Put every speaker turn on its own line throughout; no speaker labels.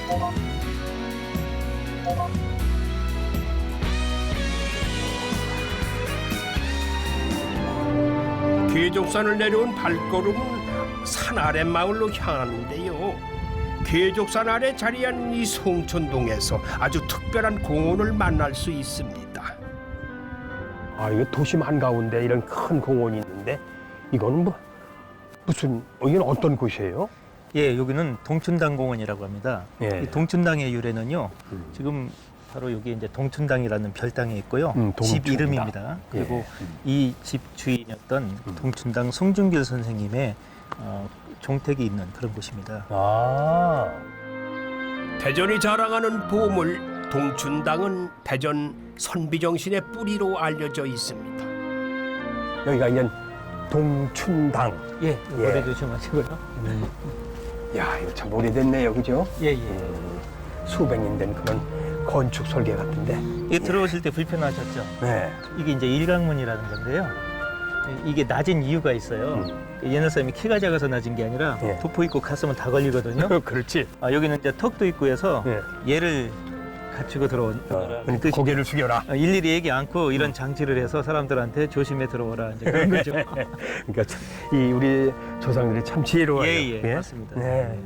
계족산을 내려온 발걸음은 산 아래 마을로 향하는데요. 계족산 아래 자리한 이 송천동에서 아주 특별한 공원을 만날 수 있습니다.
아, 이거 도심 한가운데 이런 큰 공원이 있는데 이거는 뭐 무슨 여기는 어떤 곳이에요?
예, 여기는 동춘당 공원이라고 합니다.
예.
이 동춘당의 유래는요. 지금 바로 여기 이제 동춘당이라는 별당이 있고요. 집
동춘당.
이름입니다. 그리고
예.
이 집 주인이었던 동춘당 송중길 선생님의 종택이 있는 그런 곳입니다.
아,
대전이 자랑하는 보물 동춘당은 대전 선비정신의 뿌리로 알려져 있습니다.
여기가 이제 동춘당.
예, 오래 조심하시고요.
야, 이거 참 오래됐네요, 그죠?
예, 예.
수백 년 된 그런 건축 설계 같은데.
이게 들어오실 때 불편하셨죠?
네.
이게 이제 일강문이라는 건데요. 이게 낮은 이유가 있어요. 옛날 사람이 키가 작아서 낮은 게 아니라
예.
도포 입고 갔으면 다 걸리거든요.
그렇지.
여기는 이제 턱도 있고 해서
예.
얘를 갖추고 들어온
그러니까 고개를 숙여라.
일일이 얘기 않고 이런 장치를 해서 사람들한테 조심해 들어오라 이제 그런 거죠.
그러니까 참, 이 우리 조상들이 참 지혜로워요.
예, 맞습니다.
네.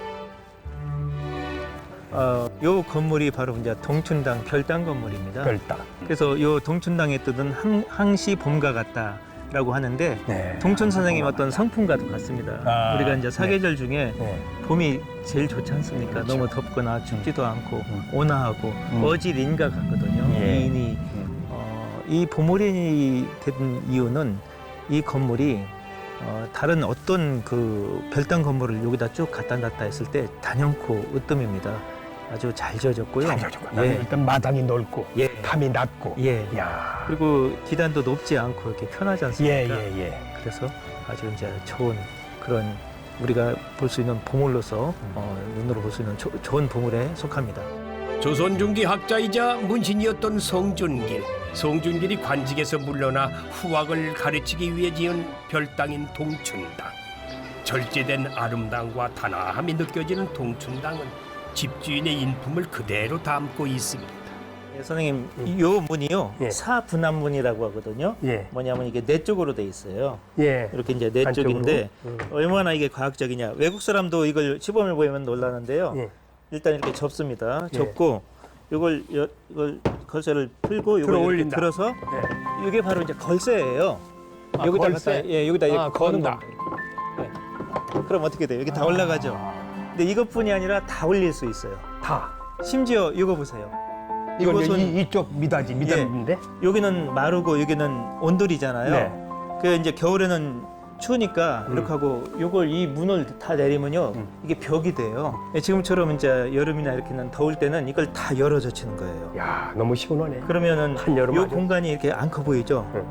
요 건물이 바로 이제 동춘당 별당 건물입니다.
별당.
그래서 요 동춘당의 뜻은 항시 봄과 같다라고 하는데
네.
동춘 선생님 어떤 성품과도 같습니다. 우리가 이제 사계절 중에
네.
봄이 제일 좋지 않습니까?
그렇죠.
너무 덥거나 춥지도 않고 온화하고 어질인과 같거든요.
예.
미인이 이 보물인이 된 이유는 이 건물이 다른 어떤 그 별당 건물을 여기다 쭉 갖다 놨다 했을 때 단연코 으뜸입니다. 아주 잘 지어졌고요.
잘 지어졌고.
예.
일단 마당이 넓고
예.
탐이 낮고.
예.
야.
그리고 계단도 높지 않고 이렇게 편하지 않습니까?
예.
그래서 아주 이제 좋은 그런 우리가 볼 수 있는 보물로서 눈으로 볼 수 있는 좋은 보물에 속합니다.
조선 중기 학자이자 문신이었던 성준길. 성준길이 관직에서 물러나 후학을 가르치기 위해 지은 별당인 동춘당. 절제된 아름다움과 단아함이 느껴지는 동춘당은 집주인의 인품을 그대로 담고 있습니다.
예, 선생님, 요 문이요
예.
사분암문이라고 하거든요.
예.
뭐냐면 이게 네 쪽으로 돼 있어요.
예.
이렇게 이제 네
한쪽으로?
쪽인데 얼마나 이게 과학적이냐. 외국 사람도 이걸 시범을 보이면 놀라는데요.
예.
일단 이렇게 접습니다.
예.
접고 이걸 걸쇠를 풀고
들어
이걸 이렇게
올린다.
들어서
예.
이게 바로 이제 걸쇠예요.
아,
여기다
걸쇠?
갖다 여기다 이렇게 거는
건다.
겁니다. 예. 그럼 어떻게 돼요? 이게 다 올라가죠. 근데 이것뿐이 아니라 다 올릴 수 있어요.
다.
심지어 이거 보세요.
이건 이제
이곳은-
이쪽 미닫인데.
여기는 마르고 여기는 온돌이잖아요.
네.
그 이제 겨울에는 추우니까 이렇게 하고 요걸 이 문을 다 내리면요 이게 벽이 돼요. 예, 지금처럼 이제 여름이나 이렇게는 더울 때는 이걸 다 열어 젖히는 거예요.
야, 너무 시원하네.
그러면은
한여름
요
아주.
공간이 이렇게 안 커 보이죠?
네.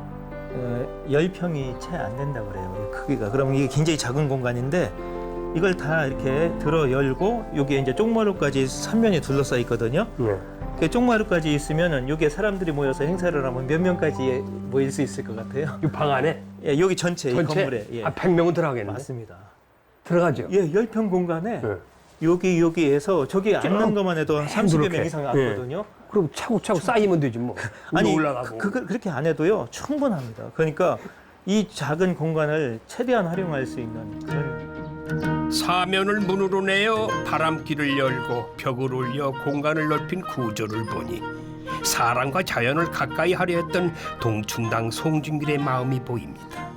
10평이 채 안 된다고 그래요. 이 크기가. 그러면 이게 굉장히 작은 공간인데 이걸 다 이렇게 들어 열고 여기에 이제 쪽마루까지 3면이 둘러싸여 있거든요.
예.
그 쪽마루까지 있으면은 여기에 사람들이 모여서 행사를 하면 몇 명까지 모일 수 있을 것 같아요?
이 방 안에
예, 여기 전체, 이 건물에. 예.
100명은 들어가겠는데.
맞습니다.
들어가죠.
예, 10평 공간에
예.
여기에서 저기 앉는 것만 해도 한 30여
이렇게.
명 이상
예.
앉거든요.
그럼 차고차고 쌓이면 되지 뭐.
아니,
올라가고.
그렇게 안 해도요, 충분합니다. 그러니까 이 작은 공간을 최대한 활용할 수 있는 그런
사면을 문으로 내어 바람길을 열고 벽을 올려 공간을 넓힌 구조를 보니 사람과 자연을 가까이 하려 했던 동춘당 송중길의 마음이 보입니다.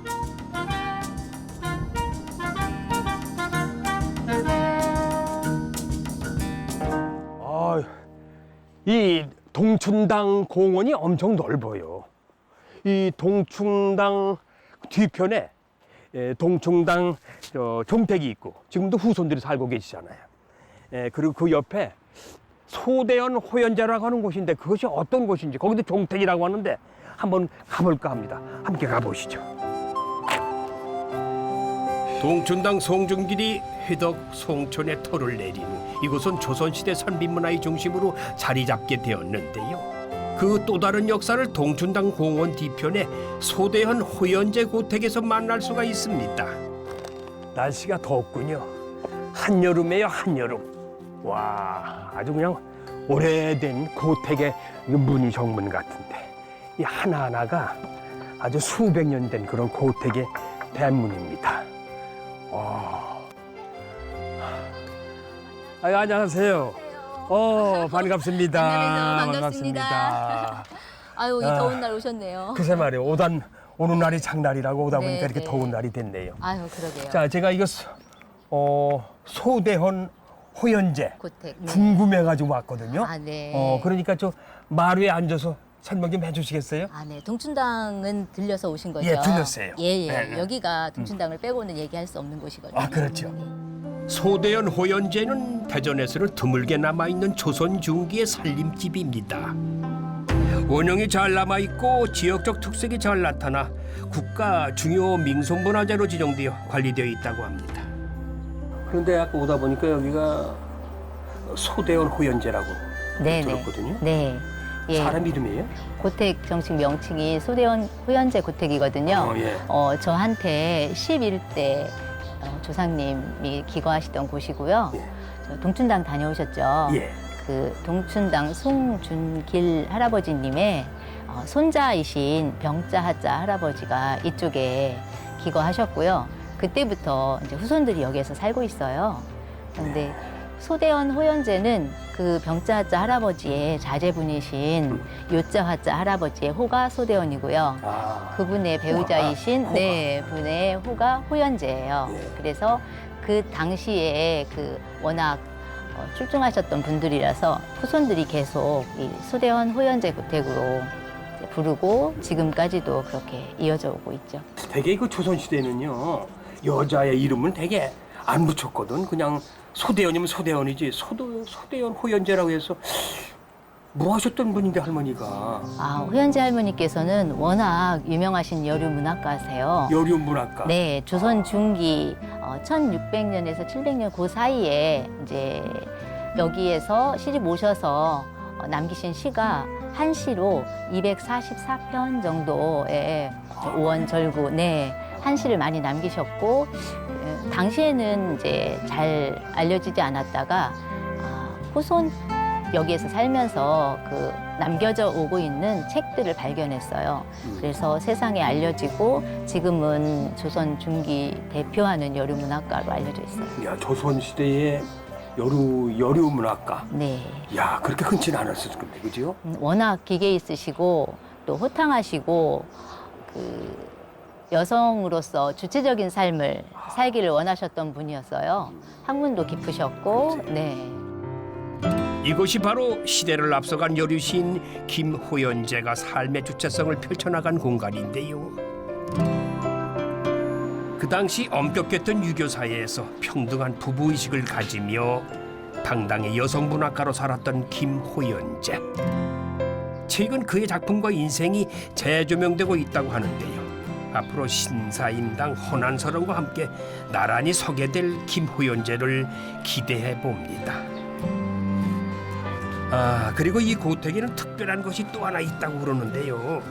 이 동춘당 공원이 엄청 넓어요. 이 동춘당 뒤편에 동춘당 종택이 있고 지금도 후손들이 살고 계시잖아요. 그리고 그 옆에 소대원 호연자라고 하는 곳인데 그것이 어떤 곳인지 거기도 종택이라고 하는데 한번 가볼까 합니다. 함께 가보시죠.
동춘당 송중길이 회덕 송촌의 터를 내린 이곳은 조선시대 선비문화의 중심으로 자리 잡게 되었는데요. 그 또 다른 역사를 동춘당 공원 뒤편에 소대현 호연제 고택에서 만날 수가 있습니다.
날씨가 덥군요. 한여름에요, 한여름. 와, 아주 그냥 오래된 고택의 무늬 정문 같은데 이 하나하나가 아주 수백 년 된 그런 고택의 대문입니다. 안녕하세요. 반갑습니다.
만나뵈서 반갑습니다. 아유, 이 더운 날 오셨네요.
글쎄 말이에요. 오는 날이 장날이라고 오다 보니까
네,
이렇게
네.
더운 날이 됐네요.
아유, 그러게요.
자, 제가 이거 소대헌 호연제
고택.
궁금해가지고 왔거든요.
아, 네.
그러니까 저 마루에 앉아서 설명 좀 해주시겠어요?
아, 네. 동춘당은 들려서 오신 거죠?
예, 들렸어요.
예, 예.
네, 네.
여기가 동춘당을 빼고는 얘기할 수 없는 곳이거든요.
아, 그렇죠.
소대연 호연제는 대전에서는 드물게 남아있는 조선 중기의 살림집입니다. 원형이 잘 남아있고 지역적 특색이 잘 나타나 국가 중요 민속문화재로 지정되어 관리되어 있다고 합니다.
그런데 아까 오다 보니까 여기가 소대헌 호연제라고
네, 네.
들었거든요.
네. 예.
사람 이름이에요?
고택 정식 명칭이 소대원 호연제 고택이거든요.
예.
저한테 11대 조상님이 기거하시던 곳이고요.
예.
저 동춘당 다녀오셨죠?
예.
그 동춘당 송준길 할아버지님의 손자이신 병자하자 할아버지가 이쪽에 기거하셨고요. 그때부터 이제 후손들이 여기에서 살고 있어요. 그런데 소대원 호연제는 그 병자하자 할아버지의 자제분이신 요자하자 할아버지의 호가 소대원이고요.
아,
그분의 배우자이신
호가.
네 분의 호가 호연제예요.
예.
그래서 그 당시에 그 워낙 출중하셨던 분들이라서 후손들이 계속 이 소대원 호연제 고택으로 이제 부르고 지금까지도 그렇게 이어져 오고 있죠.
되게 그 조선시대는요, 여자의 이름은 되게 안 붙였거든. 그냥 소대연이면 소대연이지. 소대연 호연제라고 해서 뭐 하셨던 분인데 할머니가.
아, 호연제 할머니께서는 워낙 유명하신 여류 문학가세요.
여류 문학가.
네, 조선 중기 1600년에서 700년 그 사이에 이제 여기에서 시집 오셔서 남기신 시가 한 시로 244편 정도의 오원절구, 네, 한 시를 많이 남기셨고, 당시에는 이제 잘 알려지지 않았다가 후손 여기에서 살면서 그 남겨져 오고 있는 책들을 발견했어요. 그래서 세상에 알려지고 지금은 조선 중기 대표하는 여류 문학가로 알려져 있어요.
야, 조선시대의 여류 문학가.
네.
야, 그렇게 흔치는 않았을 건데, 그죠?
워낙 기계 있으시고 또 호탕하시고 그 여성으로서 주체적인 삶을 살기를 원하셨던 분이었어요. 학문도 깊으셨고, 네.
이곳이 바로 시대를 앞서간 여류시인 김호연제가 삶의 주체성을 펼쳐나간 공간인데요. 그 당시 엄격했던 유교 사회에서 평등한 부부의식을 가지며 당당히 여성문학가로 살았던 김호연제. 최근 그의 작품과 인생이 재조명되고 있다고 하는데요. 앞으로 신사임당 호난서론과 함께 나란히 서게 될 김호연제를 기대해 봅니다. 아, 그리고 이 고택에는 특별한 것이 또 하나 있다고 그러는데요.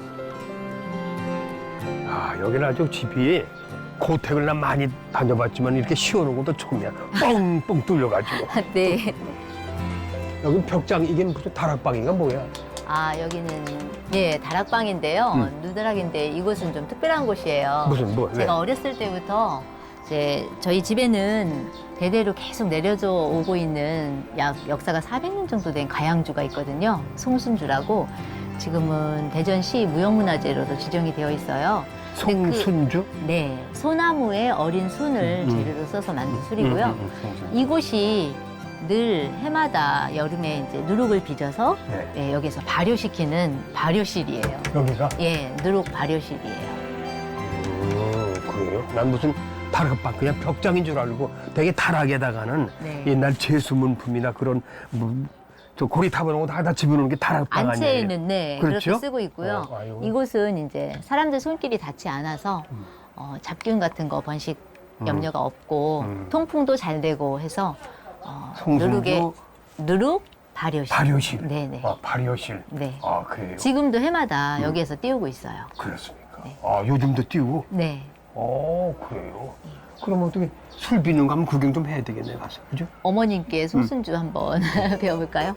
아, 여기는 아주 집이 고택을 난 많이 다녀봤지만 이렇게 시원한 것도 처음이야. 뻥뻥 뚫려가지고.
네.
여기 벽장, 이게 무슨 다락방인가 뭐야?
아, 여기는 예, 다락방인데요. 누드락인데 이곳은 좀 특별한 곳이에요.
무슨 뭐?
제가 어렸을 때부터 이제 저희 집에는 대대로 계속 내려져 오고 있는 역사가 400년 정도 된 가양주가 있거든요. 송순주라고 지금은 대전시 무형문화재로도 지정이 되어 있어요. 근데
송순주?
네, 소나무의 어린 순을 재료로 써서 만든 술이고요. 이곳이 늘 해마다 여름에 이제 누룩을 빚어서
네.
예, 여기서 발효시키는 발효실이에요.
여기가?
예, 누룩 발효실이에요.
그래요? 난 무슨 다락방, 그냥 벽장인 줄 알고 되게 다락에다가는
네.
옛날 제수문품이나 그런 저 고리 타보는 거 다 집어넣는 게 다락방 아니에요?
안채에는 네,
그렇죠?
그렇게 쓰고 있고요.
아이고.
이곳은 이제 사람들 손길이 닿지 않아서 잡균 같은 거 번식 염려가 없고 통풍도 잘 되고 해서 누룩의 누룩 발효실.
발효실.
네네.
발효실.
네.
아, 그래요?
지금도 해마다 여기에서 띄우고 있어요.
그렇습니까?
네.
아, 요즘도 띄우고?
네.
그래요? 그럼 어떻게 술 비는 거 한번 구경 좀 해야 되겠네 가서, 그죠?
어머님께 송순주 한번 배워볼까요?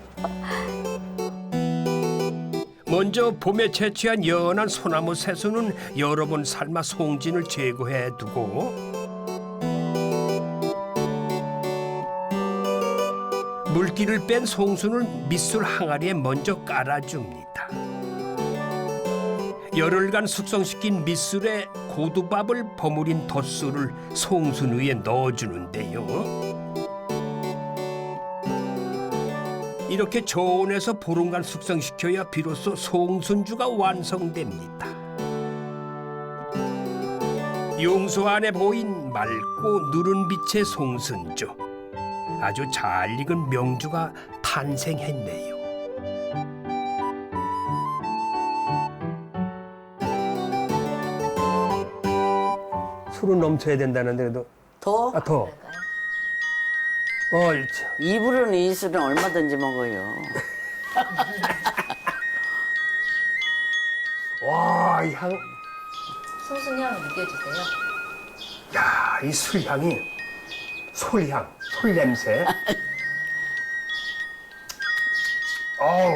먼저 봄에 채취한 연한 소나무 새수는 여러 번 삶아 송진을 제거해 두고 물기를 뺀 송수는 밑술 항아리에 먼저 깔아줍니다. 열흘간 숙성시킨 밑술에 고두밥을 버무린 덧술을 송순 위에 넣어주는데요. 이렇게 저온에서 보름간 숙성시켜야 비로소 송순주가 완성됩니다. 용소 안에 보인 맑고 누른 빛의 송순주. 아주 잘 익은 명주가 탄생했네요.
술은 넘쳐야 된다는데 그래도
더?
더. 참.
이불은 이 술은 얼마든지 먹어요.
와, 이 향.
송순향 느껴지세요?
야, 이 술향이 솔향, 솔냄새. 어우.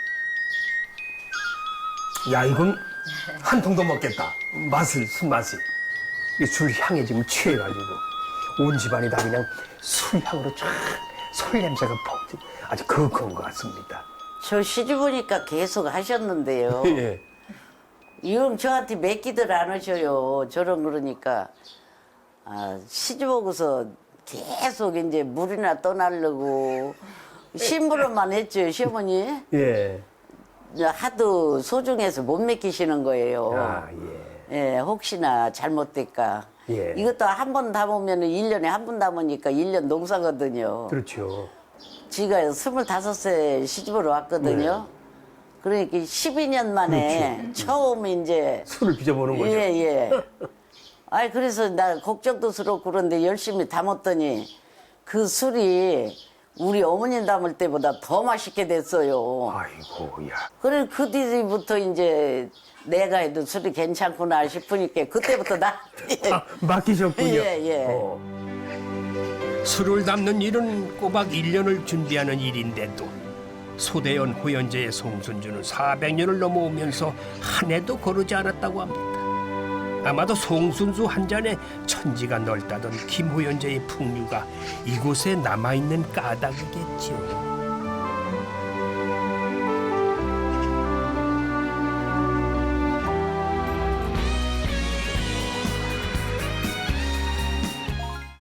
야, 이건 한 통 더 먹겠다. 술맛이. 이 술향에 지금 취해가지고 온 집안이 다 그냥 술향으로 쫙 솔냄새가 퍽 아주 거룩한 것 같습니다.
저 시집 오니까 계속 하셨는데요.
예.
이형 저한테 맡기들 않으셔요. 저런 그러니까. 시집 오고서 계속 이제 물이나 떠나려고 심부름만 했죠, 시어머니.
예.
하도 소중해서 못 맡기시는 거예요.
아, 예.
예, 혹시나 잘못될까.
예.
이것도 한 번 담으면 1년에 한 번 담으니까 1년 농사거든요.
그렇죠.
지가 25세 시집으로 왔거든요. 그러니까 12년 만에 처음 이제
술을 빚어보는 거죠.
예, 예. 아이 그래서 나 걱정도 스럽고 그런데 열심히 담았더니 그 술이 우리 어머님 담을 때보다 더 맛있게 됐어요.
아이고, 야.
그래 그 뒤부터 이제 내가 해도 술이 괜찮구나 싶으니까 그때부터 나한테
맡기셨군요.
예, 예.
술을 담는 일은 꼬박 1년을 준비하는 일인데도 소대연 호연제의 송순주는 400년을 넘어오면서 한 해도 거르지 않았다고 합니다. 아마도 송순주 한 잔에 천지가 넓다던 김호연제의 풍류가 이곳에 남아있는 까닭이겠지요.